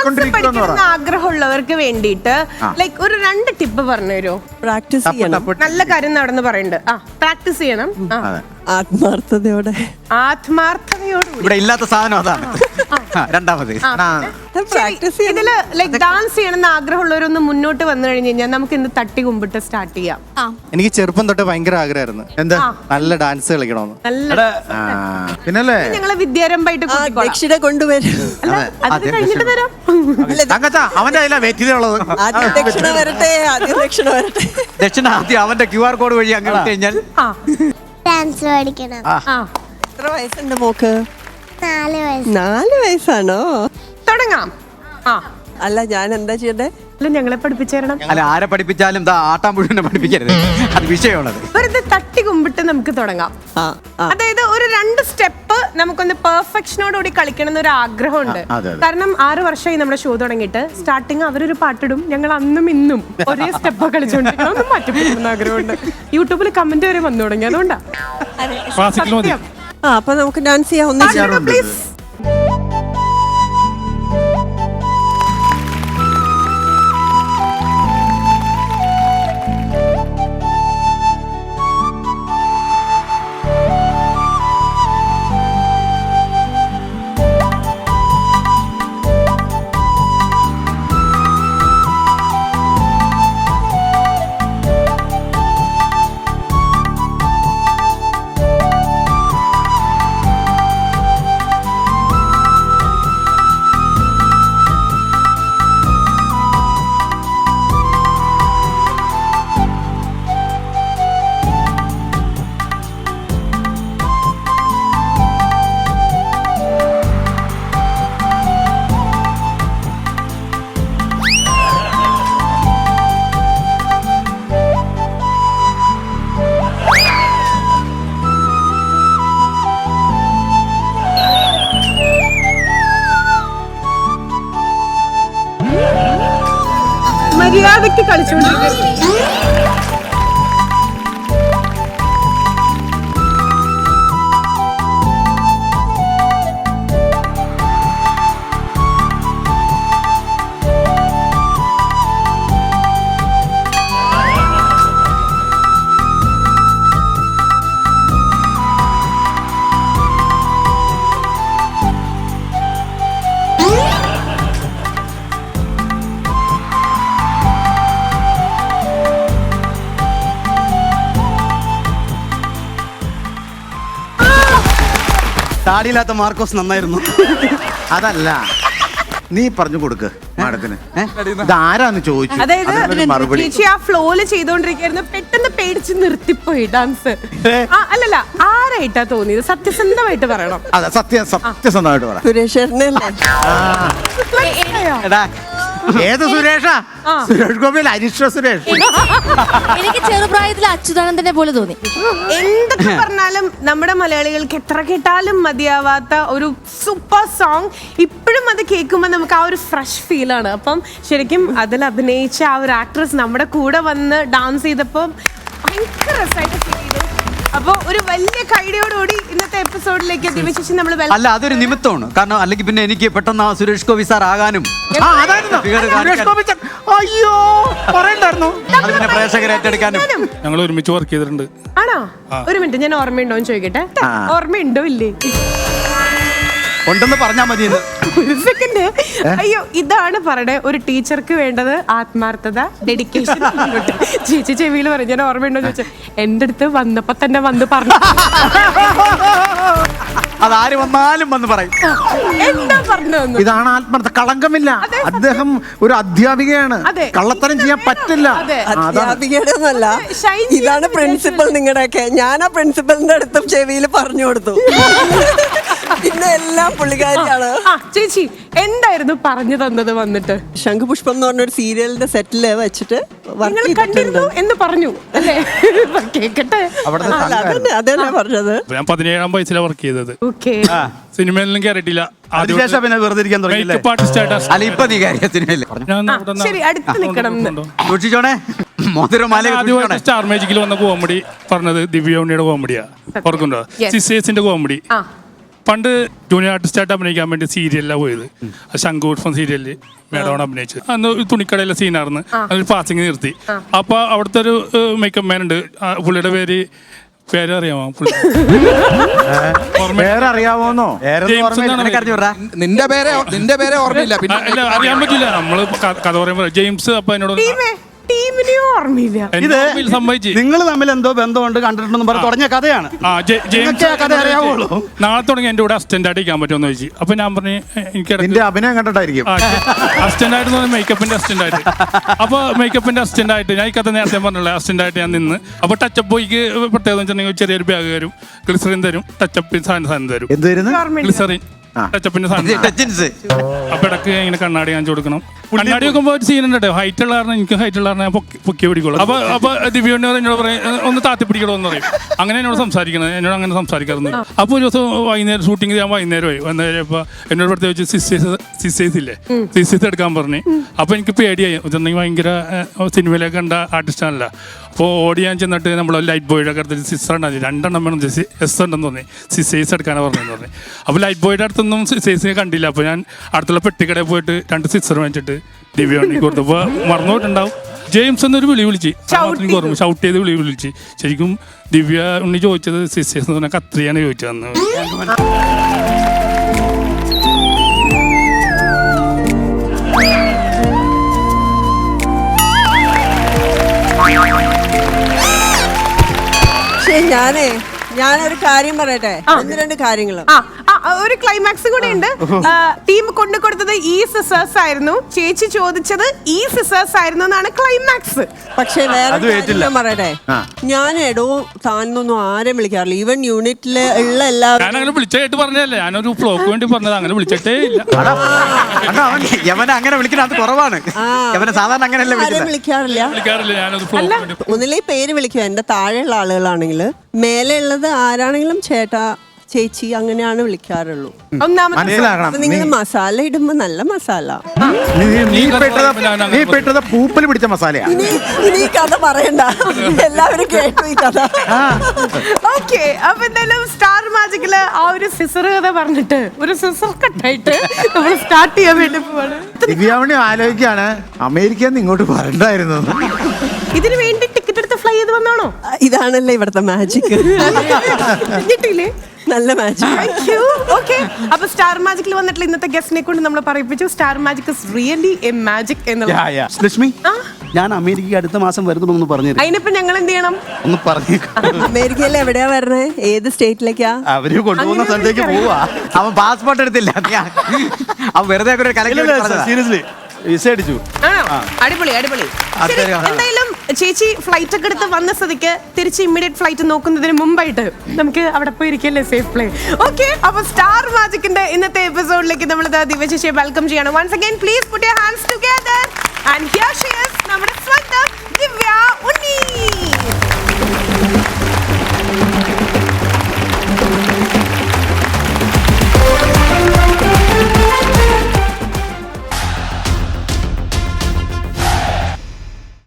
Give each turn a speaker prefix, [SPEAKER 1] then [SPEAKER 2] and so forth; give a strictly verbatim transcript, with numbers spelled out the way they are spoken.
[SPEAKER 1] പഠിക്കണം ആഗ്രഹമുള്ളവർക്ക് വേണ്ടിയിട്ട് ലൈക്ക് ഒരു രണ്ട് ടിപ്പ് പറഞ്ഞു തരുമോ?
[SPEAKER 2] പ്രാക്ടീസ് ചെയ്യണം.
[SPEAKER 1] നല്ല കാര്യം നടന്ന് പറയുന്നുണ്ട്. ആ പ്രാക്ടീസ് ചെയ്യണം.
[SPEAKER 2] ആത്മാർത്ഥതയോടെ
[SPEAKER 1] ആത്മാർത്ഥതയോടെ
[SPEAKER 3] ഇവിടെ ഇല്ലാത്ത സാധനം അതാണ്. രണ്ടാമത്
[SPEAKER 1] ഇതില് ലൈക് ഡാൻസ് ചെയ്യണമെന്ന് ആഗ്രഹമുള്ളവരൊന്ന് മുന്നോട്ട് വന്നു കഴിഞ്ഞു കഴിഞ്ഞാൽ നമുക്ക് ഇന്ന് തട്ടി കുമ്പിട്ട് സ്റ്റാർട്ട് ചെയ്യാം.
[SPEAKER 4] എനിക്ക് ചെറുപ്പം തൊട്ട് ഭയങ്കര ആഗ്രഹമായിരുന്നു എന്താ നല്ല ഡാൻസ് കളിക്കണമെന്ന്.
[SPEAKER 1] നല്ല
[SPEAKER 5] പിന്നല്ലേ
[SPEAKER 1] ഞങ്ങളെ വിദ്യാരംഭമായിട്ട്
[SPEAKER 2] ദക്ഷിണ കൊണ്ടുവരും.
[SPEAKER 1] അത് കഴിഞ്ഞിട്ട് തരാം.
[SPEAKER 5] അവന്റെ കയ്യിലാ വെറ്റിലുള്ളത്.
[SPEAKER 2] ആദ്യം ദക്ഷിണ വരട്ടെ, ആദ്യം ദക്ഷിണ വരട്ടെ.
[SPEAKER 3] ദക്ഷിണ ആദ്യം അവന്റെ ക്യു ആർ കോഡ് വഴി അങ്ങനെ കഴിഞ്ഞാൽ
[SPEAKER 6] ഡാൻസ് പഠിക്കണം.
[SPEAKER 2] എത്ര വയസ്സുണ്ട് മോക്ക്?
[SPEAKER 6] നാല് വയസ്സ്.
[SPEAKER 2] നാല് വയസ്സാണോ?
[SPEAKER 1] തുടങ്ങാം. ആ
[SPEAKER 2] അല്ല ഞാൻ എന്താ ചെയ്യണ്ടേ?
[SPEAKER 1] അല്ല ഞങ്ങളെ പഠിപ്പിച്ചു തരണം.
[SPEAKER 3] അല്ല ആരെ പഠിപ്പിച്ചാലും ദാ ആട്ടാൻ പുഴുവിനെ പഠിപ്പിക്കരുത്, അത് വിഷയമുള്ളത്.
[SPEAKER 1] വെറുതെ തട്ടി കുമ്പിട്ട് നമുക്ക് തുടങ്ങാം. അതായത് ഒരു രണ്ട് സ്റ്റെപ്പ് നമുക്കൊന്ന് പെർഫെക്ഷനോടുകൂടി കളിക്കണം എന്നൊരു ആഗ്രഹമുണ്ട്. കാരണം ആറ് വർഷമായി നമ്മുടെ ഷോ തുടങ്ങിയിട്ട് സ്റ്റാർട്ടിങ് അവരൊരു പാട്ടിടും, ഞങ്ങൾ അന്നും ഇന്നും ഒരേ സ്റ്റെപ്പ് കളിച്ചോണ്ടിരിക്കണം. ഒന്ന് മാറ്റിപ്പിടുന്ന ആഗ്രഹമുണ്ട്. യൂട്യൂബിൽ കമന്റ് വരെ വന്നു തുടങ്ങി. അതുകൊണ്ടാ
[SPEAKER 2] ആ അപ്പൊ നമുക്ക് ഡാൻസ് ചെയ്യാം. ഒന്നിച്ച്
[SPEAKER 1] പ്ലീസ്. മര്യാദയ്ക്ക് കളിച്ചുകൊണ്ടിരിക്കുന്നു.
[SPEAKER 3] താടിയില്ലാത്ത മാർക്കോസ് നന്നായിരുന്നു.
[SPEAKER 5] അതല്ല, നീ പറഞ്ഞു കൊടുക്ക് മാഡത്തിന് ഇതാരാന്ന് ചോദിച്ചു.
[SPEAKER 1] അതായത് ചേച്ചി ആ ഫ്ലോയില് ചെയ്തോണ്ടിരിക്കുന്നു, പെട്ടെന്ന് പേടിച്ച് നിർത്തിപ്പോയി ഡാൻസ്. അല്ലല്ല, ആരായിട്ടാ തോന്നിയത്? സത്യസന്ധമായിട്ട് പറയണം.
[SPEAKER 5] അതെ, സത്യം സത്യസന്ധമായിട്ട് പറ.
[SPEAKER 2] സുരേഷ്
[SPEAKER 5] ഏത് സുരേഷാ? സുരേഷ് ഗോപിയിൽ അരിഷ്ട സുരേഷ്.
[SPEAKER 6] എനിക്ക് ചെറുപ്രായത്തിൽ അച്യുതാനന്ദനെ പോലെ തോന്നി.
[SPEAKER 1] എന്തൊക്കെ പറഞ്ഞാലും നമ്മുടെ മലയാളികൾക്ക് എത്ര കേട്ടാലും മതിയാവാത്ത ഒരു സൂപ്പർ സോങ്. ഇപ്പോഴും അത് കേൾക്കുമ്പോൾ നമുക്ക് ആ ഒരു ഫ്രഷ് ഫീൽ ആണ്. അപ്പം ശരിക്കും അതിൽ അഭിനയിച്ച ആ ഒരു ആക്ട്രസ് നമ്മുടെ കൂടെ വന്ന് ഡാൻസ് ചെയ്തപ്പോൾ ഭയങ്കര രസമായിട്ട് ഫീൽ ചെയ്തു. അപ്പൊ ഒരു വലിയ കൈഡിയോടുകൂടി ഇന്നത്തെ എപ്പിസോഡിലേക്ക് ദിവശേഷം നമ്മൾ
[SPEAKER 3] അല്ല അതൊരു നിമിത്തമാണ്. കാരണം അല്ലെങ്കിൽ പിന്നെ എനിക്ക് പെട്ടെന്ന് സുരേഷ് ഗോപി സാർ ആകാനും
[SPEAKER 5] അയ്യോ പറയണ്ടായിരുന്നു
[SPEAKER 3] അത് പിന്നെ പ്രേക്ഷകരെ ഏറ്റെടുക്കാനും
[SPEAKER 7] ഞങ്ങൾ ഒരുമിച്ച് വർക്ക് ചെയ്തിട്ടുണ്ട്.
[SPEAKER 1] ആണോ? ഒരു മിനിറ്റ്, ഞാൻ ഓർമ്മയുണ്ടോ എന്ന് ചോദിക്കട്ടെ. ഓർമ്മയുണ്ടോ ഇല്ലേ?
[SPEAKER 3] ഉണ്ടെന്ന് പറഞ്ഞാൽ മതി.
[SPEAKER 1] ഒരു സെക്കൻഡ്. അയ്യോ, ഇതാണ് പറയണേ ഒരു ടീച്ചർക്ക് വേണ്ടത്, ആത്മാർത്ഥത, ഡെഡിക്കേഷൻ. ചേച്ചി ചെവിയിൽ പറഞ്ഞു ഞാൻ ഓർമ്മയുണ്ടോ ചോദിച്ചു. എന്റെ അടുത്ത് വന്നപ്പോ തന്നെ വന്ന് പറഞ്ഞു.
[SPEAKER 3] അതാര് വന്നാലും വന്ന് പറയും.
[SPEAKER 1] എന്താ പറഞ്ഞു?
[SPEAKER 5] ഇതാണ് ആത്മാർത്ഥ. കളങ്കമില്ല. അദ്ദേഹം ഒരു അധ്യാപികയാണ്. കള്ളത്തരം ചെയ്യാൻ പറ്റില്ല.
[SPEAKER 2] അധ്യാപികയുടെ ഒന്നല്ല, ഇതാണ് പ്രിൻസിപ്പൽ നിങ്ങളുടെയൊക്കെ. ഞാൻ ആ പ്രിൻസിപ്പലിന്റെ അടുത്തും ചെവിയിൽ പറഞ്ഞു കൊടുത്തു. പിന്നെ എല്ലാം പുള്ളിക്കാരിയാണ്.
[SPEAKER 1] ചേച്ചി എന്തായിരുന്നു പറഞ്ഞു തന്നത്? വന്നിട്ട്
[SPEAKER 2] ശംഖുപുഷ്പം എന്ന് പറഞ്ഞൊരു സീരിയലിന്റെ സെറ്റില് വെച്ചിട്ട്
[SPEAKER 1] കണ്ടിരുന്നു എന്ന് പറഞ്ഞു അല്ലേ? കേക്കട്ടെ.
[SPEAKER 2] അതല്ലേ പറഞ്ഞത്.
[SPEAKER 7] ഞാൻ പതിനേഴാം വയസ്സിലാണ് വർക്ക് ചെയ്തത്.
[SPEAKER 8] സിനിമയിലും കയറിയിട്ടില്ല.
[SPEAKER 3] അതിനുശേഷം പിന്നെ വെറുതെ ഇരിക്കാൻ തുടങ്ങിയില്ലേ? അല്ല ഇപ്പൊ നീ കാര്യത്തിനല്ലേ?
[SPEAKER 1] ശരി, അടുത്ത് നിൽക്കണം.
[SPEAKER 3] സൂക്ഷിച്ചോണേ.
[SPEAKER 8] സ്റ്റാർ മാജിക്കിൽ വന്ന കോമഡി പറഞ്ഞത് ദിവ്യ ഉണ്ണിയുടെ കോമഡിയാ. ഓർക്കുന്നുണ്ടോ? സിസ്റ്റേഴ്സിന്റെ കോമഡി.
[SPEAKER 7] പണ്ട് ജൂനിയർ ആർട്ടിസ്റ്റായിട്ട് അഭിനയിക്കാൻ വേണ്ടി സീരിയലിലാണ് പോയത്. ശംഖുപുഷ്പം സീരിയലിൽ മേഡമാണ് അഭിനയിച്ചത്. അന്ന് ഒരു തുണിക്കടയിലെ സീനായിരുന്നു. അതൊരു പാസിങ് നിർത്തി. അപ്പൊ അവിടുത്തെ ഒരു മേക്കപ്പ് മാൻ ഉണ്ട്. ആ പുള്ളിയുടെ പേര് പേരറിയാമോ? പുള്ളി
[SPEAKER 5] വേറെ അറിയാമോന്നോ?
[SPEAKER 7] ജെയിംസ് എന്നാണ് പേര്.
[SPEAKER 3] അറിഞ്ഞു വിടാ.
[SPEAKER 9] നിന്റെ പേരെ നിന്റെ പേരെ ഓർമ്മയില്ല.
[SPEAKER 7] ആ,
[SPEAKER 9] പിന്നെ
[SPEAKER 7] ഇല്ല, അറിയാൻ പറ്റില്ല. നമ്മള് ക- കഥ പറയുമ്പോ ജെയിംസ് അപ്പൊ എന്നോട്
[SPEAKER 1] ടീമേ ടീമിനെയും ഓർമ്മയില്ല.
[SPEAKER 7] എന്നെ ഓർമ്മയിൽ സംഭവിച്ചു.
[SPEAKER 3] നിങ്ങൾ തമ്മിൽ എന്തോ ബന്ധമുണ്ട് കണ്ടിട്ടുണ്ടെന്ന് പറഞ്ഞ് തുടങ്ങിയ കഥയാണ്.
[SPEAKER 7] ആ ജെ- ജെയിംസ്
[SPEAKER 3] നിങ്ങൾക്ക് ആ കഥ അറിയാവുള്ളൂ.
[SPEAKER 7] നാളെ തുടങ്ങി എന്റെ കൂടെ അസിസ്റ്റന്റ് ആയിട്ട് ഇരിക്കാൻ പറ്റുമെന്ന് ചോദിച്ചു. അപ്പൊ ഞാൻ പറഞ്ഞു എനിക്ക്
[SPEAKER 5] നിന്റെ അഭിനയം കണ്ടിട്ടായിരിക്കും.
[SPEAKER 7] അസിസ്റ്റന്റ് ആയിട്ട് പറഞ്ഞാൽ മേക്കപ്പിന്റെ അസിസ്റ്റന്റ് ആയിട്ട്. അപ്പൊ മേക്കപ്പിന്റെ അസിസ്റ്റന്റ് ആയിട്ട് ഞാൻ ഈ കഥ നേരത്തെ പറഞ്ഞില്ല. അസിസ്റ്റന്റ് ആയിട്ട് ഞാൻ നിന്ന് അപ്പൊ ടച്ചപ്പ് ബോയ്ക്ക് പ്രത്യേകത വെച്ചിട്ടുണ്ടെങ്കിൽ ചെറിയൊരു ബാഗ് തരും, ഗ്ലിസറിൻ തരും, ടച്ചപ്പ് സാധനം സാധനം തരും,
[SPEAKER 5] എന്തുവരുന്നു?
[SPEAKER 7] ഗ്ലിസറിൻ ടച്ചപ്പിന്റെ സാധനം.
[SPEAKER 3] ടച്ചിൻസ്.
[SPEAKER 7] അപ്പൊ ഇടക്ക് ഇങ്ങനെ കണ്ണാടി കാണിച്ചു കൊടുക്കണം. കണ്ണാടി വെക്കുമ്പോൾ ഒരു സീൻ ഉണ്ട്. ഹൈറ്റ് ഉള്ള കാരണം എനിക്ക് ഹൈറ്റ് ഉള്ള കാരണം ഞാൻ പൊക്കി പൊക്കി പിടിക്കുള്ളൂ. അപ്പൊ അപ്പൊ ദിവ്യോണ്ട് എന്നോട് പറയും ഒന്ന് താത്തി പിടിക്കണോ എന്ന് പറയും. അങ്ങനെ എന്നോട് സംസാരിക്കണത്. എന്നോട് അങ്ങനെ സംസാരിക്കാറുണ്ട്. അപ്പോൾ ഒരു ദിവസം വൈകുന്നേരം ഷൂട്ടിംഗ് ചെയ്യാൻ വൈകുന്നേരമായി വന്നേരം ഇപ്പൊ എന്നോട് പ്രത്യേകിച്ച് സിസ്റ്റേഴ്സ് സിസ്റ്റേഴ്സ് ഇല്ലേ സിസ്റ്റേഴ്സ് എടുക്കാൻ പറഞ്ഞു. അപ്പൊ എനിക്ക് പേടിയായി. ഇതുണ്ടെങ്കിൽ ഭയങ്കര സിനിമയിലേക്ക് കണ്ട ആർട്ടിസ്റ്റാണല്ല. അപ്പോൾ ഓടി ഞാൻ ചെന്നിട്ട് നമ്മൾ ലൈറ്റ് ബോയുടെ ഒക്കെ അടുത്ത് സിസ്റ്റർ ഉണ്ടായി. രണ്ടെണ്ണം വേണം എസ് ഉണ്ടെന്ന് തോന്നി. സിസ്റ്റേഴ്സ് എടുക്കാനാണ് പറഞ്ഞതെന്ന് പറഞ്ഞു. അപ്പോൾ ലൈറ്റ് ബോയുടെ അടുത്തൊന്നും സിസ്റ്റേഴ്സിനെ കണ്ടില്ല. അപ്പോൾ ഞാൻ അടുത്തുള്ള പെട്ടിക്കടയിൽ പോയിട്ട് രണ്ട് സിസ്റ്റർ വാങ്ങിച്ചിട്ട് ദിവ്യ ഉണ്ണിക്ക് കൊടുത്തപ്പോൾ മറന്നുപോയിട്ടുണ്ടാവും. ജെയിംസ് എന്നൊരു വിളി വിളിച്ച് എനിക്ക് ഓർമ്മ ഷൗട്ട് ചെയ്ത് വിളി വിളിച്ച്. ശരിക്കും ദിവ്യ ഉണ്ണി ചോദിച്ചത് സിസ്റ്റേഴ്സ് എന്ന് പറഞ്ഞാൽ കത്രിയാണ് ചോദിച്ചതെന്ന്.
[SPEAKER 2] പക്ഷേ ഞാനേ ഞാനൊരു കാര്യം പറയട്ടെ. ഒന്ന് രണ്ട് കാര്യങ്ങള്.
[SPEAKER 1] ആ ആ, ഒരു ക്ലൈമാക്സ് കൂടെ ഉണ്ട്. ടീം കൊണ്ടു കൊടുത്തത് ഈ സിസേഴ്സ് ആയിരുന്നു. ചേച്ചി ചോദിച്ചത് ഈ സിസേഴ്സ് ആയിരുന്നു എന്നാണ് ക്ലൈമാക്സ്.
[SPEAKER 2] പക്ഷെ വേറെ
[SPEAKER 3] അത്
[SPEAKER 2] കാര്യം
[SPEAKER 3] ഏറ്റില്ല.
[SPEAKER 2] ഞാൻ പറയട്ടെ. ഞാൻ എടോ താനൊന്നും ആരെയും വിളിക്കാറില്ല. ഈവൻ യൂണിറ്റില് ഉള്ള എല്ലാവരും
[SPEAKER 7] ഞാൻ അങ്ങനെ വിളിച്ചായിട്ട് പറഞ്ഞതല്ലേ. ഞാനൊരു ഫ്ലോക്ക് വേണ്ടി പറഞ്ഞത്. അങ്ങനെ വിളിച്ചിട്ടേ ഇല്ല.
[SPEAKER 3] കണ്ടോ, അവൻ യവനെ അങ്ങനെ വിളിക്കുന്നത് അത് കുറവാണ്. യവനെ സാധാരണ അങ്ങനെയല്ല
[SPEAKER 2] ആരെയും
[SPEAKER 3] വിളിക്കുന്നത്.
[SPEAKER 2] വിളിക്കാറില്ല.
[SPEAKER 7] വിളിക്കാറില്ല. ഞാനൊരു ഫ്ലോക്ക് വേണ്ടി.
[SPEAKER 2] ഒന്നിലേ പേര് വിളിക്കുക. എന്റെ താഴെയുള്ള ആളുകളാണെങ്കിൽ മേലെ ഉള്ളത് ആരാണെങ്കിലും ചേട്ടാ ചേച്ചി അങ്ങനെയാണ് വിളിക്കാറുള്ളൂ.
[SPEAKER 1] ഒന്നാമത്
[SPEAKER 5] മനസ്സിലാക്കണം.
[SPEAKER 2] അപ്പൊ നിങ്ങൾ മസാല ഇടുമ്പോ നല്ല മസാല.
[SPEAKER 5] നീ- നീ പെട്ടത് നീ പെട്ടത് പൂപ്പൽ പിടിച്ച മസാലയാ.
[SPEAKER 2] ഇനി ഇനി ഈ കഥ പറയണ്ട. എല്ലാവരും കേട്ടു ഈ കഥ.
[SPEAKER 1] ഓക്കെ. അപ്പൊ എന്തായാലും സ്റ്റാർ മാജിക്കില് ആ ഒരു സിസർ കഥ പറഞ്ഞിട്ട് ഒരു സിസർ കട്ടായിട്ട് നമ്മൾ സ്റ്റാർട്ട് ചെയ്യാൻ വേണ്ടി പോവാണ്.
[SPEAKER 5] ദിവ്യാവണി ആലോചിക്കാണ് അമേരിക്കയിൽ നിന്ന് ഇങ്ങോട്ട് വരണ്ടായിരുന്നു.
[SPEAKER 1] ഇതിനു വേണ്ടി ടിക്കറ്റ് എടുത്ത് ഫ്ലൈ ചെയ്ത് വന്നാണോ?
[SPEAKER 2] ഇതാണല്ലേ ഇവിടുത്തെ മാജിക്.
[SPEAKER 1] കിട്ടിയില്ലേ?
[SPEAKER 2] നല്ല മാജിക്.
[SPEAKER 1] Thank you. Okay. അപ്പൊ സ്റ്റാർ മാജിക്കിൽ വന്നിട്ടുള്ള ഇന്നത്തെ ഗസ്റ്റിനെ കൊണ്ട് നമ്മൾ പറയിപ്പിച്ചു star magic is really a magic എന്നുള്ളത്.
[SPEAKER 3] ലക്ഷ്മി, ഞാൻ അമേരിക്കയ്ക്ക് അടുത്ത മാസം വരുന്നുണ്ടെന്ന് പറഞ്ഞു.
[SPEAKER 1] അതിനിപ്പോ ഞങ്ങൾ എന്ത് ചെയ്യണം?
[SPEAKER 3] ഒന്ന് പറഞ്ഞു.
[SPEAKER 2] അമേരിക്കയിൽ എവിടെയാ വരണേ? ഏത് സ്റ്റേറ്റിലേക്കാ?
[SPEAKER 3] അവര് കൊണ്ടുപോകുന്ന സ്ഥലത്തേക്ക് പോവാ. അവൻ പാസ്പോർട്ട് എടുത്തില്ല. അവൻ വെറുതെ ഒരു കലക്കി സീരിയസ്ലി വിസ അടിച്ചു.
[SPEAKER 1] ആണോ? അടിപൊളി അടിപൊളി. ശരി, എന്തായാലും ചേച്ചി ഫ്ലൈറ്റ് ഒക്കെ എടുത്ത് വന്ന സ്ഥിതിക്ക് തിരിച്ച് ഇമ്മീഡിയറ്റ് ഫ്ലൈറ്റ് നോക്കുന്നതിന് മുമ്പായിട്ട് നമുക്ക് അവിടെ പോയി ഇരിക്കല്ലേ സേഫ് പ്ലേ. ഓക്കെ. അപ്പൊ സ്റ്റാർ മാജിക്കിന്റെ ഇന്നത്തെ എപ്പിസോഡിലേക്ക് നമ്മൾ ദിവ്യ ചേച്ചിയെ വെൽക്കം ചെയ്യണം. Once again please put your hands together and here